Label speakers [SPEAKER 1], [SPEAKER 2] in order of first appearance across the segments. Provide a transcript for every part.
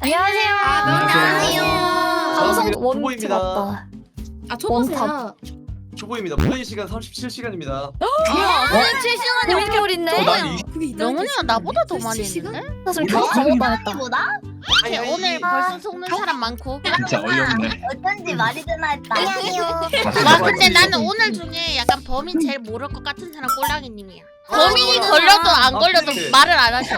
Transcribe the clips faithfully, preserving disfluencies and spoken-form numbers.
[SPEAKER 1] 안녕하세요.
[SPEAKER 2] 안녕하세요.
[SPEAKER 1] 방송
[SPEAKER 3] 저는
[SPEAKER 1] 원투
[SPEAKER 3] 초보입니다.
[SPEAKER 1] 맞다.
[SPEAKER 2] 아 초보세요.
[SPEAKER 3] 초보입니다. 플레이 시간 삼십칠 시간입니다.
[SPEAKER 1] 삼십칠 시간이 엄청 있네.
[SPEAKER 2] 그게 있다.
[SPEAKER 4] 명훈이가 나보다 더 많이
[SPEAKER 2] 삼십칠 시간?
[SPEAKER 4] 했는데?
[SPEAKER 1] 사실 계속 잘못당했다.
[SPEAKER 4] 오케이, 오늘 벌써 속는 사람 많고.
[SPEAKER 5] 진짜 어이없네.
[SPEAKER 6] 어쩐지 말이 되나 했다. 안녕하세요.
[SPEAKER 4] 와 근데 나는 오늘 중에 약간 범인 제일 모를 것 같은 사람 꼴랑이님이야. 범인이 걸려도 안 걸려도
[SPEAKER 3] 네.
[SPEAKER 4] 말을 안 하셔.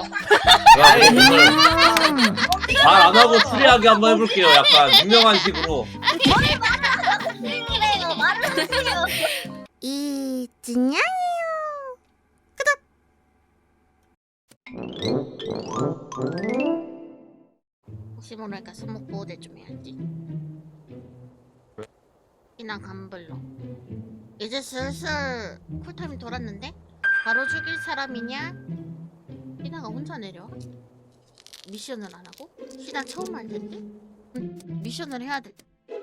[SPEAKER 7] 말 안 하고 추리하게 한번 해볼게요. 약간 유명한 식으로.
[SPEAKER 6] 그래요. 말을 하세요.
[SPEAKER 4] 이진양이요. 혹시 모르니까 손목 보호대 좀 해야지. 이나 감블러. 이제 슬슬 쿨타임이 돌았는데 바로 죽일 사람이냐? 희나가 혼자 내려. 미션을 안 하고? 희나 처음 할 텐데? 응, 미션을 해야 돼.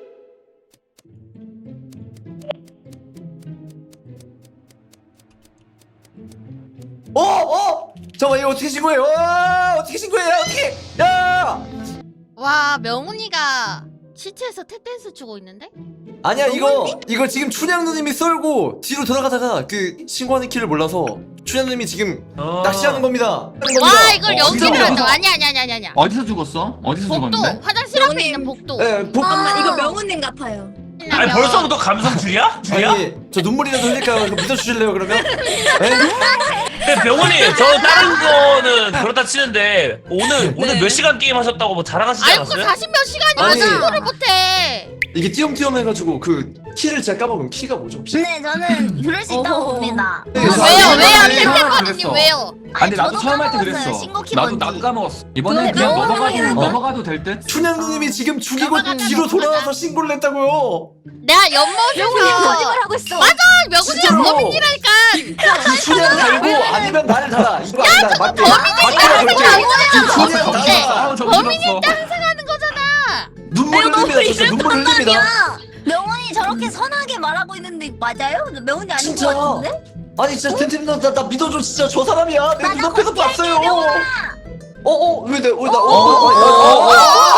[SPEAKER 3] 어, 어! 잠깐만 이거 어떻게 신고해요? 와, 어떻게 신고해요? 어떻게? 야!
[SPEAKER 4] 와 명훈이가 시체에서 탭댄스 추고 있는데?
[SPEAKER 3] 아니야 이거 이거 지금 춘향 누님이 썰고 뒤로 돌아가다가 그 신고하는 키를 몰라서 춘향 누님이 지금
[SPEAKER 7] 어...
[SPEAKER 3] 낚시하는 겁니다. 하는
[SPEAKER 4] 와
[SPEAKER 3] 겁니다.
[SPEAKER 4] 이걸
[SPEAKER 5] 어,
[SPEAKER 4] 연기를
[SPEAKER 5] 진짜
[SPEAKER 4] 한다.
[SPEAKER 5] 어디서-
[SPEAKER 4] 아니 아니 아니 아니 아니야.
[SPEAKER 5] 어디서 죽었어? 어디서
[SPEAKER 4] 복도
[SPEAKER 5] 죽었는데?
[SPEAKER 4] 화장실 앞에
[SPEAKER 2] 명훈님.
[SPEAKER 4] 있는 복도.
[SPEAKER 3] 네, 복,
[SPEAKER 2] 잠깐만 이거 명훈님 같아요.
[SPEAKER 7] 아니 벌써부터 감성 줄이야? 줄이야?
[SPEAKER 3] 아니 저 눈물이라도 흘릴까요? 이거 믿어주실래요 그러면? 네?
[SPEAKER 7] 근데 병원이 저 다른 거는 그렇다 치는데 오늘 오늘
[SPEAKER 2] 네.
[SPEAKER 7] 몇 시간 게임 하셨다고 뭐 자랑하시지
[SPEAKER 4] 아이고
[SPEAKER 7] 않았어요?
[SPEAKER 4] 사십 몇 시간이면
[SPEAKER 3] 아니.
[SPEAKER 4] 신고를 못해.
[SPEAKER 3] 이게 띄엄띄엄 해가지고 그 키를 제가 까먹으면 키가 뭐죠 혹시?
[SPEAKER 6] 네, 저는 그럴 수 있다고
[SPEAKER 2] 어허.
[SPEAKER 6] 봅니다.
[SPEAKER 3] 네,
[SPEAKER 4] 왜요
[SPEAKER 3] 아,
[SPEAKER 4] 왜요
[SPEAKER 5] 네,
[SPEAKER 4] 템템버드님
[SPEAKER 5] 그랬어.
[SPEAKER 4] 왜요?
[SPEAKER 5] 아니 나도
[SPEAKER 6] 저도
[SPEAKER 5] 처음 할 때
[SPEAKER 6] 까먹었어요.
[SPEAKER 5] 그랬어.
[SPEAKER 6] 신고키
[SPEAKER 5] 나도
[SPEAKER 6] 뭔지.
[SPEAKER 5] 나도 까먹었어. 이번엔
[SPEAKER 2] 근데
[SPEAKER 5] 그냥
[SPEAKER 2] 명훈이
[SPEAKER 5] 넘어가도
[SPEAKER 2] 어?
[SPEAKER 5] 넘어가도 될 듯?
[SPEAKER 3] 춘향 누님이 지금 죽이고
[SPEAKER 4] 넘어가자,
[SPEAKER 3] 뒤로
[SPEAKER 4] 넘어가자.
[SPEAKER 3] 돌아와서 신고를 했다고요.
[SPEAKER 4] 내가 연못에서
[SPEAKER 6] 거짓말하고 있어.
[SPEAKER 4] 맞아 명훈이가
[SPEAKER 3] 진짜로.
[SPEAKER 4] 범인이라니까.
[SPEAKER 3] 그 춘향 달고 아니면 나를 달아. 이거 아니다. 맞게. 맞게라 그렇게. 춘향
[SPEAKER 4] 네.
[SPEAKER 3] 달아.
[SPEAKER 5] 아우 정신 없어.
[SPEAKER 4] 하는 거잖아.
[SPEAKER 3] 눈물 흘립니다. 진짜 눈물 흘립니다.
[SPEAKER 6] 야, 명훈이 저렇게 선하게 말하고 있는데 맞아요? 명훈이 아닌
[SPEAKER 3] 진짜.
[SPEAKER 6] 것 같은데?
[SPEAKER 3] 아니 진짜 템템 나, 나, 나 믿어줘 진짜 저 사람이야. 내
[SPEAKER 6] 맞아,
[SPEAKER 3] 눈앞에서
[SPEAKER 6] 거짓말이야,
[SPEAKER 3] 봤어요.
[SPEAKER 6] 명훈아.
[SPEAKER 3] 어어 왜 내? 왜 나?
[SPEAKER 5] 어,
[SPEAKER 3] 어? 어? 어? 어?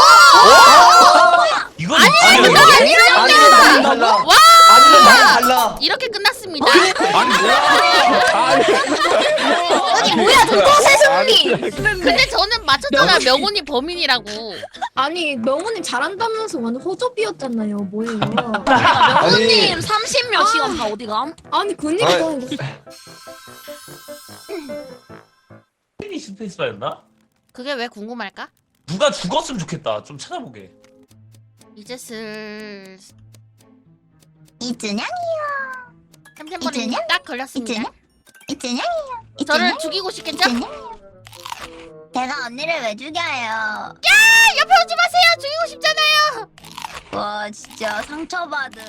[SPEAKER 7] 이건
[SPEAKER 4] 아니,
[SPEAKER 7] 아니
[SPEAKER 3] 아니면 나를 달라.
[SPEAKER 4] 와
[SPEAKER 3] 아니면 나를 달라.
[SPEAKER 4] 이렇게 끝났습니다.
[SPEAKER 5] 아니 뭐야?
[SPEAKER 6] 아니 뭐야 도도새 승리.
[SPEAKER 4] 근데 저는 맞췄잖아 명훈이 범인이라고.
[SPEAKER 2] 아니 명훈님 잘한다면서 완전 호접이었잖아요. 뭐예요?
[SPEAKER 3] 아니
[SPEAKER 6] 삼십 몇 시간 다 어디 감?
[SPEAKER 2] 아니 그니까
[SPEAKER 7] 이 스페이스바였나?
[SPEAKER 4] 그게 왜 궁금할까?
[SPEAKER 7] 누가 죽었으면 좋겠다. 좀 찾아보게.
[SPEAKER 4] 이제 슬
[SPEAKER 6] 이준양?
[SPEAKER 4] 템템버리님
[SPEAKER 6] 이준양?
[SPEAKER 4] 딱 걸렸습니다.
[SPEAKER 6] 이준양? 이준양?
[SPEAKER 4] 저를 죽이고 싶겠죠?
[SPEAKER 6] 제가 언니를 왜 죽여요?
[SPEAKER 4] 옆에 오지 마세요. 죽이고 싶잖아요.
[SPEAKER 6] 와 진짜 상처받은.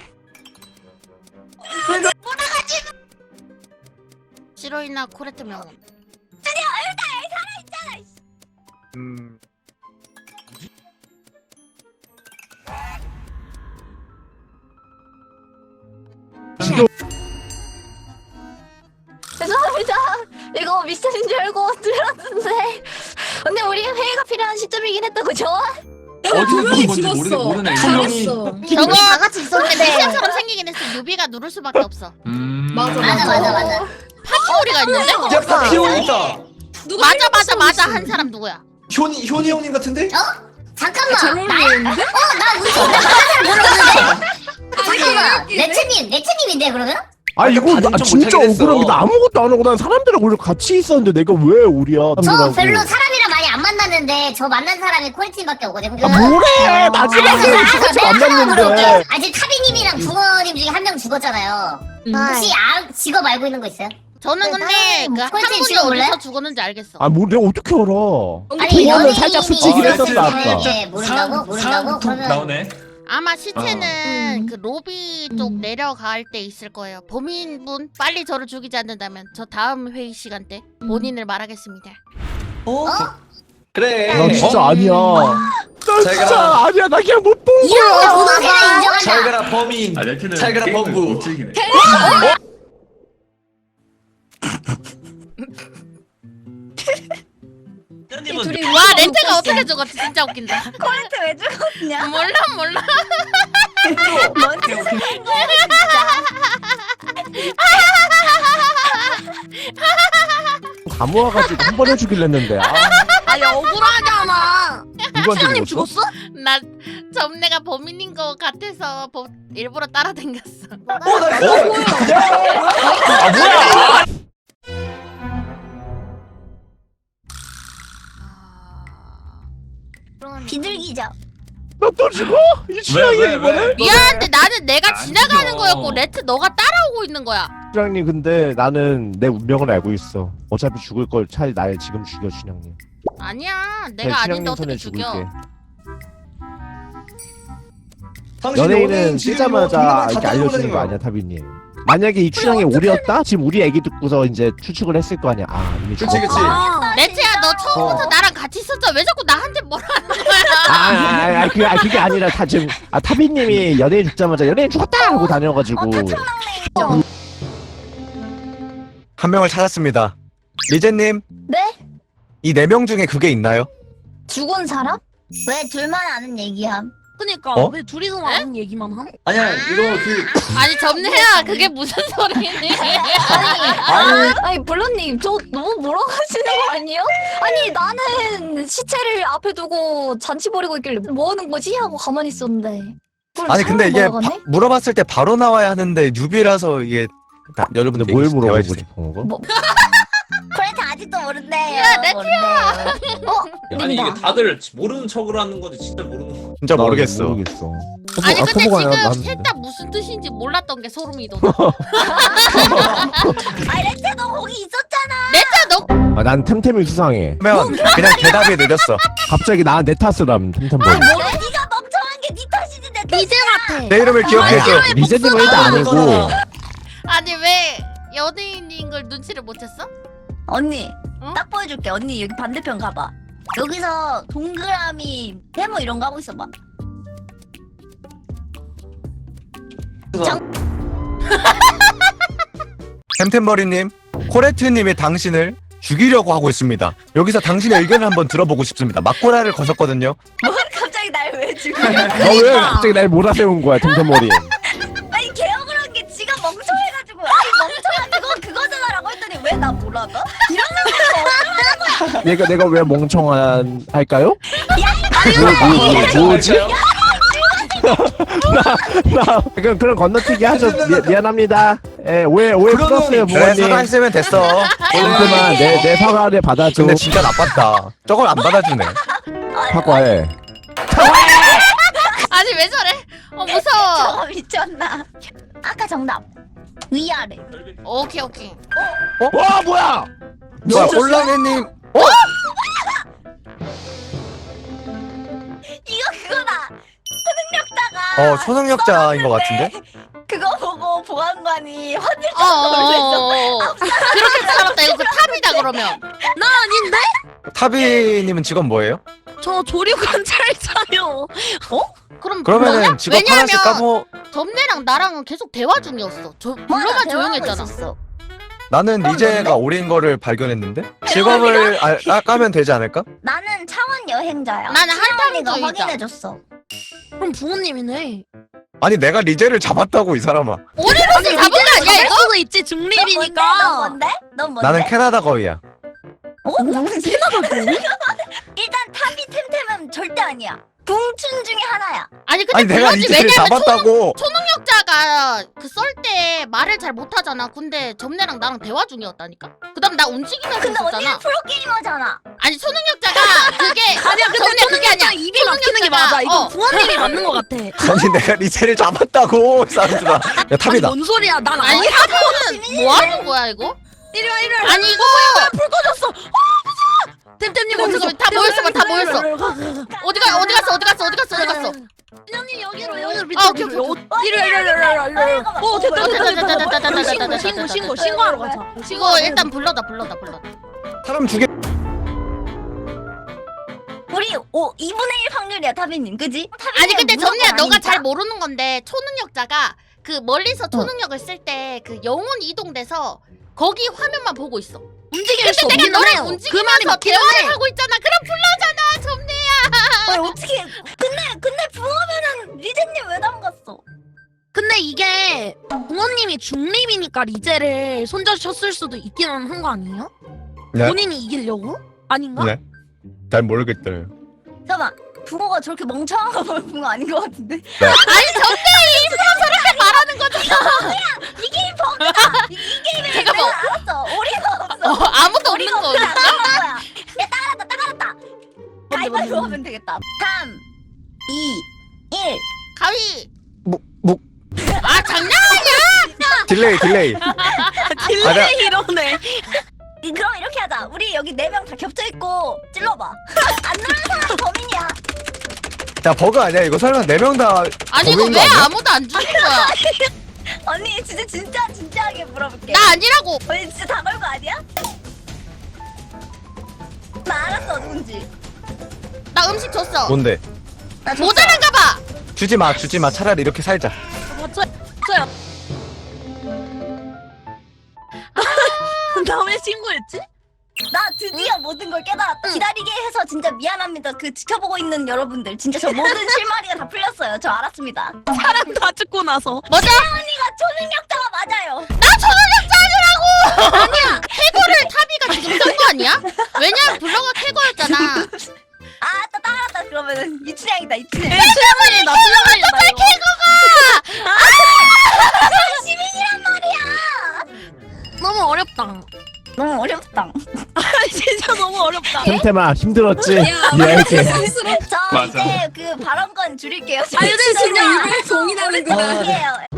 [SPEAKER 4] 시로이나 코레트 명훈.
[SPEAKER 3] 음.
[SPEAKER 1] 죄송합니다. 이거 미션인 줄 알고 들었는데. 근데 우리 회의가 필요한 시점이긴 했다 그죠?
[SPEAKER 5] 어디서 죽은
[SPEAKER 2] 분명히
[SPEAKER 5] 건지 모르
[SPEAKER 2] 죽었어.
[SPEAKER 5] 모르네.
[SPEAKER 3] 분명히.
[SPEAKER 2] 죽었어.
[SPEAKER 4] 저거
[SPEAKER 6] 다 같이
[SPEAKER 4] 근데
[SPEAKER 6] 있었는데.
[SPEAKER 4] 미션처럼 생기긴 했어. 유비가 누를 수밖에 없어.
[SPEAKER 5] 음.
[SPEAKER 2] 맞아,
[SPEAKER 6] 맞아 맞아 맞아.
[SPEAKER 4] 파티오리가 있는데?
[SPEAKER 3] 야 파티온 있다.
[SPEAKER 2] 누가
[SPEAKER 4] 맞아 맞아
[SPEAKER 2] 헬멧
[SPEAKER 4] 맞아
[SPEAKER 2] 쓰고
[SPEAKER 4] 한 사람 누구야?
[SPEAKER 3] 효니 효니 형님 같은데?
[SPEAKER 6] 잠깐만.
[SPEAKER 2] 잘 어울리는데?
[SPEAKER 6] 나 우리 진짜 모르는데. 잠깐만. 레츠님 레츠님인데 그러면?
[SPEAKER 8] 아 이거
[SPEAKER 3] 반응
[SPEAKER 8] 나
[SPEAKER 3] 좀
[SPEAKER 8] 진짜
[SPEAKER 3] 못하긴 했어.
[SPEAKER 8] 억울한 게 나 아무것도 안 하고 난 사람들이랑 원래 같이 있었는데 내가 왜 우리야
[SPEAKER 6] 저
[SPEAKER 8] 사람들하고.
[SPEAKER 6] 별로 사람이랑 많이 안 만났는데 저 만난 사람이 코리팀밖에 없거든요.
[SPEAKER 8] 아 뭐래 마지막에 같이 만났는데
[SPEAKER 6] 아직 타비님이랑 붕어님 중에 한 명 죽었잖아요.
[SPEAKER 2] 음.
[SPEAKER 6] 혹시 아, 직업 알고 있는 거 있어요?
[SPEAKER 4] 저는 근데 그
[SPEAKER 6] 꼴찌
[SPEAKER 4] 한 분이
[SPEAKER 6] 지금 몰라요?
[SPEAKER 4] 어디서 죽었는지 알겠어.
[SPEAKER 8] 아 뭐 내가 어떻게 알아
[SPEAKER 6] 아니
[SPEAKER 8] 그거는
[SPEAKER 6] 연예인이
[SPEAKER 8] 살짝 스치긴
[SPEAKER 3] 했었어, 아까.
[SPEAKER 6] 네, 모른다고? 모른다고? 그러면
[SPEAKER 7] 나오네.
[SPEAKER 4] 아마 시체는
[SPEAKER 2] 음.
[SPEAKER 4] 그 로비 쪽
[SPEAKER 2] 음.
[SPEAKER 4] 내려갈 때 있을 거예요. 범인분 빨리 저를 죽이지 않는다면 저 다음 회의 시간 때 본인을 말하겠습니다.
[SPEAKER 3] 어? 그래.
[SPEAKER 8] 나 진짜 아니야 나
[SPEAKER 3] 잘
[SPEAKER 8] 진짜
[SPEAKER 3] 가라.
[SPEAKER 8] 아니야 나 그냥 못 본
[SPEAKER 6] 이런 거
[SPEAKER 8] 거야
[SPEAKER 6] 도도새를
[SPEAKER 3] 잘
[SPEAKER 6] 인정한다.
[SPEAKER 3] 가라 범인.
[SPEAKER 5] 아 레트는
[SPEAKER 3] 잘 가라
[SPEAKER 5] 게임을
[SPEAKER 3] 범부.
[SPEAKER 5] 못 즐기네.
[SPEAKER 7] 님 찍었는데.
[SPEAKER 1] 둘이
[SPEAKER 4] 와 렌트가 어떻게 죽었지? 진짜 웃긴다.
[SPEAKER 1] 코레트 왜 죽었냐?
[SPEAKER 4] 몰라 몰라.
[SPEAKER 1] 뭔 짓을 한 거야 진짜.
[SPEAKER 8] 다 모아가지고 한 번 해주길래 했는데 아
[SPEAKER 2] 아니 억울하잖아.
[SPEAKER 8] 누구한테 죽었어?
[SPEAKER 4] 나 점내가 범인인 거 같아서 보, 일부러 따라다녔어.
[SPEAKER 3] 어, 나 이거
[SPEAKER 7] 아 뭐야?
[SPEAKER 1] 비둘기죠.
[SPEAKER 8] 너또 죽어? 이
[SPEAKER 7] 왜,
[SPEAKER 8] 취향이
[SPEAKER 7] 왜,
[SPEAKER 8] 이번에?
[SPEAKER 7] 왜?
[SPEAKER 4] 미안한데 나는 내가
[SPEAKER 5] 안
[SPEAKER 4] 지나가는
[SPEAKER 5] 죽여.
[SPEAKER 4] 거였고 레트 너가 따라오고 있는 거야.
[SPEAKER 8] 춘향님 근데 나는 내 운명을 알고 있어. 어차피 죽을 걸 차라리 날 지금 죽여 춘향님.
[SPEAKER 4] 아니야
[SPEAKER 8] 네,
[SPEAKER 4] 내가 아닌데
[SPEAKER 8] 춘향님
[SPEAKER 4] 어떻게
[SPEAKER 8] 손에
[SPEAKER 4] 죽여?
[SPEAKER 8] 죽을게.
[SPEAKER 3] 당신
[SPEAKER 8] 연예인은
[SPEAKER 3] 지금
[SPEAKER 8] 뜨자마자
[SPEAKER 3] 뭐
[SPEAKER 8] 이렇게
[SPEAKER 3] 다
[SPEAKER 8] 알려주는
[SPEAKER 3] 따라다니는
[SPEAKER 8] 거 아니야 타비님? 만약에 이 춘향이 오리였다? 지금 우리 애기 듣고서 이제 추측을 했을 거 아니야. 아 이미
[SPEAKER 3] 그치
[SPEAKER 8] 죽었구나.
[SPEAKER 3] 그치.
[SPEAKER 2] 아,
[SPEAKER 4] 레트야 너 처음부터
[SPEAKER 3] 어.
[SPEAKER 4] 나랑 같이 있었잖아. 왜 자꾸 나한테 뭐라 하는 거야?
[SPEAKER 8] 아, 아, 아, 그게, 아, 그게 아니라 다 지금 아 타비님이 연예인 죽자마자 연예인 죽었다 하고 다녀가지고
[SPEAKER 9] 한 명을 찾았습니다. 리제님,
[SPEAKER 1] 네?
[SPEAKER 9] 이 네 명 중에 그게 있나요?
[SPEAKER 1] 죽은 사람? 왜 둘만 아는 얘기함?
[SPEAKER 2] 그니까
[SPEAKER 9] 어?
[SPEAKER 2] 왜 둘이서 하는 얘기만 함?
[SPEAKER 3] 아니야 이거 그
[SPEAKER 4] 아니 점내야 그게 무슨 소리니?
[SPEAKER 3] 아니
[SPEAKER 1] 아니 블루님 저 너무 몰아가시는 거 아니에요? 아니 나는 시체를 앞에 두고 잔치 벌이고 있길래 뭐 하는 거지? 하고 가만히 있었는데 그걸
[SPEAKER 9] 아니 근데 이게
[SPEAKER 1] 사람
[SPEAKER 9] 바,
[SPEAKER 1] 몰아가네?
[SPEAKER 9] 물어봤을 때 바로 나와야 하는데 뉴비라서 이게 다, 여러분들
[SPEAKER 8] 근데 뭘
[SPEAKER 9] 얘기-
[SPEAKER 8] 물어보고
[SPEAKER 9] 대화해주세요.
[SPEAKER 8] 싶은 거?
[SPEAKER 1] 뭐 코레트 아직도 모른대요.
[SPEAKER 4] 야, 레트야!
[SPEAKER 1] 어?
[SPEAKER 7] 아니
[SPEAKER 1] 닌다.
[SPEAKER 7] 이게 다들 모르는 척을 하는 건지 진짜 모르는 거.
[SPEAKER 9] 진짜
[SPEAKER 8] 나
[SPEAKER 9] 모르겠어.
[SPEAKER 8] 모르겠어.
[SPEAKER 4] 아니
[SPEAKER 8] 아,
[SPEAKER 4] 근데
[SPEAKER 8] 커버가 난-
[SPEAKER 4] 지금 셋 다 무슨 뜻인지 몰랐던 게 소름이 돋아.
[SPEAKER 1] 아니 레트 너 거기 있었잖아.
[SPEAKER 4] 레트야 너
[SPEAKER 8] 아, 난 템템이 수상해.
[SPEAKER 9] 그러면 그냥 대답이 느렸어.
[SPEAKER 8] 갑자기 나 내 탓을 함 템템볼.
[SPEAKER 1] 뭐 네가 멍청한 게 네 탓이지 내 탓.
[SPEAKER 2] 리제 같아.
[SPEAKER 9] 내 이름을 기억해줘.
[SPEAKER 8] 리제님은 일단 아니고
[SPEAKER 4] 아니 왜 연예인인 걸 눈치를 못 챘어?
[SPEAKER 1] 언니
[SPEAKER 4] 어?
[SPEAKER 1] 딱 보여줄게. 언니 여기 반대편 가봐. 여기서 동그라미 세모 이런 거 하고 있어봐.
[SPEAKER 9] 템템버리님, 코레트님이 당신을 죽이려고 하고 있습니다. 여기서 당신의 의견을 한번 들어보고 싶습니다. 막고라를 거셨거든요.
[SPEAKER 1] 갑자기 날 왜 죽여?
[SPEAKER 8] 너 왜 갑자기 날 몰아세운 거야 템템머리?
[SPEAKER 1] 아니 개혁을 한 게 지가 멍청해가지고 아니 멍청한 그거 그거잖아라고 했더니 왜 나 몰아가? 이러면서
[SPEAKER 8] 내가 내가 왜 멍청한 할까요? 뭐, 뭐, 뭐, 뭐지? 나 그럼 그런 건너뛰기 하죠. 미, 미안합니다. 예, 오해 오해
[SPEAKER 3] 그러면-
[SPEAKER 8] 풀었어요
[SPEAKER 9] 그래
[SPEAKER 8] 부모님.
[SPEAKER 9] 사과했으면 됐어.
[SPEAKER 8] 그만 내내 사과를 받아줘.
[SPEAKER 9] 근데 진짜 나빴다. 저걸 안 받아주네.
[SPEAKER 8] 사과해.
[SPEAKER 4] 아니 왜 저래? 어 무서워.
[SPEAKER 1] 저거 미쳤나? 아까 정답 위아래.
[SPEAKER 4] 오케이 오케이.
[SPEAKER 8] 와 뭐야?
[SPEAKER 9] 뭐야 꼴랑이님.
[SPEAKER 1] 이거 그거다. 초능력자가
[SPEAKER 9] 어 초능력자인 것 같은데?
[SPEAKER 1] 그거 보고 보안관이 화낼
[SPEAKER 4] 어어어어. 그렇게 살았다. 이거 그 탑이다 그러면.
[SPEAKER 2] 나 아닌데?
[SPEAKER 9] 타비님은 직업 뭐예요?
[SPEAKER 2] 저 조류 관찰자요.
[SPEAKER 4] 그럼
[SPEAKER 9] 그러면은
[SPEAKER 4] 뭐냐?
[SPEAKER 9] 직업 하나씩
[SPEAKER 4] 왜냐면
[SPEAKER 9] 까고
[SPEAKER 4] 점내랑 나랑은 계속 대화 중이었어. 저 불러만 조용했잖아.
[SPEAKER 9] 나는 리제가 오린 거를 발견했는데 직업을 아, 아, 까면 되지 않을까?
[SPEAKER 1] 나는 차원 여행자야.
[SPEAKER 4] 나는
[SPEAKER 1] 시어머니가
[SPEAKER 4] 한탕주의자.
[SPEAKER 1] 확인해줬어.
[SPEAKER 2] 그럼 부모님이네.
[SPEAKER 9] 아니 내가 리제를 잡았다고 이 사람아.
[SPEAKER 4] 오리로서 잡은 거 아니야 이거?
[SPEAKER 2] 수도 있지
[SPEAKER 1] 넌
[SPEAKER 2] 중립이니까.
[SPEAKER 1] 뭔데? 넌 뭔데?
[SPEAKER 9] 나는 캐나다 거위야.
[SPEAKER 1] 어? 무슨 캐나다 거위? 일단 탑이 템템은 절대 아니야. 붕춘 중에 하나야.
[SPEAKER 4] 아니 근데
[SPEAKER 9] 아니 내가
[SPEAKER 4] 그거지.
[SPEAKER 9] 리제를
[SPEAKER 4] 왜냐면
[SPEAKER 9] 잡았다고.
[SPEAKER 4] 초능력자가 그 썰 때 말을 잘 못하잖아. 근데 점내랑 나랑 대화 중이었다니까. 그다음 나 움직이면서
[SPEAKER 1] 근데 언니는
[SPEAKER 4] 있었잖아.
[SPEAKER 1] 프로게이머잖아.
[SPEAKER 4] 아니 초능력자가 그게
[SPEAKER 2] 아니야 근데
[SPEAKER 4] 점내 그게 아니야.
[SPEAKER 2] 입이 막히는 게 맞아. 이거
[SPEAKER 4] 어.
[SPEAKER 2] 부모님이 맞는 것 같아.
[SPEAKER 9] 아니 내가 리제를 잡았다고 이 사람들아. 야
[SPEAKER 2] 아니
[SPEAKER 9] 탑이다.
[SPEAKER 2] 뭔 소리야? 난
[SPEAKER 4] 아니
[SPEAKER 2] 아니.
[SPEAKER 4] 사고는 뭐 하는 거야 이거?
[SPEAKER 2] 이리 와 이리 와.
[SPEAKER 4] 아니 이거
[SPEAKER 2] 불 꺼졌어. 템템님
[SPEAKER 4] 어디 갔어? 다 모였어, 다 모였어. 어디가 어디 갔어 어디 갔어 어디 갔어 어디 갔어?
[SPEAKER 2] 신영님 여기로 여기로
[SPEAKER 4] 아,
[SPEAKER 2] 밑에
[SPEAKER 4] 오케이, 오케이,
[SPEAKER 2] 이리 와 이리 와 이리 와 이리 와. 어 됐다 됐다 됐다
[SPEAKER 4] 됐다, 됐다, 됐다,
[SPEAKER 2] 됐다.
[SPEAKER 4] 됐다,
[SPEAKER 2] 신고
[SPEAKER 4] 됐다,
[SPEAKER 2] 신고
[SPEAKER 4] 됐다,
[SPEAKER 2] 신고하러 가자.
[SPEAKER 4] 이거 일단 불러다 불러다 불러다.
[SPEAKER 9] 사람 죽여.
[SPEAKER 1] 우리 오 이분의 일 확률이야 타비님, 그지?
[SPEAKER 4] 아니 근데
[SPEAKER 1] 무조건
[SPEAKER 4] 점리야 너가
[SPEAKER 1] 아니니까.
[SPEAKER 4] 잘 모르는 건데 초능력자가 그 멀리서 초능력을 쓸 때 그 영혼 이동돼서 거기 화면만 보고 있어.
[SPEAKER 2] 움직일 수
[SPEAKER 4] 근데 내가
[SPEAKER 2] 없기는
[SPEAKER 4] 너랑
[SPEAKER 2] 해요. 그 말이
[SPEAKER 4] 움직이면서
[SPEAKER 2] 맞기는
[SPEAKER 4] 대화를
[SPEAKER 2] 해.
[SPEAKER 4] 하고 있잖아. 그럼 불러잖아, 점내야.
[SPEAKER 1] 아니 어떻게 근데 근데 붕어면은 리제님 왜 담갔어?
[SPEAKER 2] 근데 이게 부모님이 중립이니까 리제를 손절쳤을 수도 있기는 한 거 아니에요?
[SPEAKER 9] 네?
[SPEAKER 2] 본인이 이기려고? 아닌가?
[SPEAKER 9] 네. 잘 모르겠어요.
[SPEAKER 1] 잠깐만 붕어가 저렇게 멍청한 거 보면 붕어 아닌 것 같은데?
[SPEAKER 4] 아니, 점내야 일부러 저렇게 말하는 거잖아.
[SPEAKER 1] 이게 버그다! 이, 이 게임에
[SPEAKER 4] 잠깐만.
[SPEAKER 1] 내가 알았어 오리가 없어
[SPEAKER 4] 어, 아무도 없는
[SPEAKER 1] 오리가
[SPEAKER 4] 거.
[SPEAKER 1] 없는 거야 야 따라갔다 따라갔다
[SPEAKER 2] 뭔데,
[SPEAKER 1] 가위바위보
[SPEAKER 2] 뭔데?
[SPEAKER 1] 하면 되겠다 삼 이 일
[SPEAKER 4] 가위.
[SPEAKER 9] 뭐, 뭐,
[SPEAKER 4] 아, 장난.
[SPEAKER 9] 딜레이, 딜레이.
[SPEAKER 2] 딜레이 이러네.
[SPEAKER 1] 이- 그럼 이렇게 하자 우리 여기 네 명 다 겹쳐있고 찔러봐 안 누르는 사람이 범인이야
[SPEAKER 9] 야, 버그 아니야? 이거 설마 네 명 다
[SPEAKER 4] 아니, 이거
[SPEAKER 9] 범인인
[SPEAKER 4] 왜
[SPEAKER 9] 거 아니야?
[SPEAKER 4] 아무도 안 주는 거야?
[SPEAKER 1] 언니 진짜 진짜 진지하게 물어볼게
[SPEAKER 4] 나 아니라고.
[SPEAKER 1] 언니 진짜 다 걸고 아니야? 나 알았어 누군지
[SPEAKER 4] 나 음식 줬어.
[SPEAKER 9] 뭔데?
[SPEAKER 1] 나 줬어.
[SPEAKER 4] 모자란가 봐.
[SPEAKER 9] 주지 마, 주지 마. 차라리 이렇게 살자.
[SPEAKER 2] 맞아요. 다음에 신고했지?
[SPEAKER 1] 나 드디어 모든 걸 깨달았다. 기다리게 해서 진짜 미안합니다. 그 지켜보고 있는 여러분들. 진짜 저 모든 실마리가 다 풀렸어요. 저 알았습니다.
[SPEAKER 2] 사람 다 죽고 나서.
[SPEAKER 4] 뭐죠?
[SPEAKER 1] 언니가 초능력자가 맞아요.
[SPEAKER 4] 나 초능력자 아니라고. 아니야. 캐거를 타비가 지금 쓴 거 아니야? 왜냐면 블러가 캐거였잖아.
[SPEAKER 1] 아, 또 따라갔다. 그러면은 이춘향이다. 이춘향.
[SPEAKER 2] 수영이 나 수영하려다 이거.
[SPEAKER 1] 시민이란 말이야.
[SPEAKER 2] 너무 어렵다.
[SPEAKER 1] 너무 어렵다.
[SPEAKER 2] 진짜 너무 어렵다.
[SPEAKER 8] 템템아 힘들었지? 이해할게.
[SPEAKER 1] 저
[SPEAKER 5] 맞아.
[SPEAKER 1] 이제 그 발언권 줄일게요.
[SPEAKER 2] 아, 근데 진짜 이거에
[SPEAKER 1] 동의하는구나.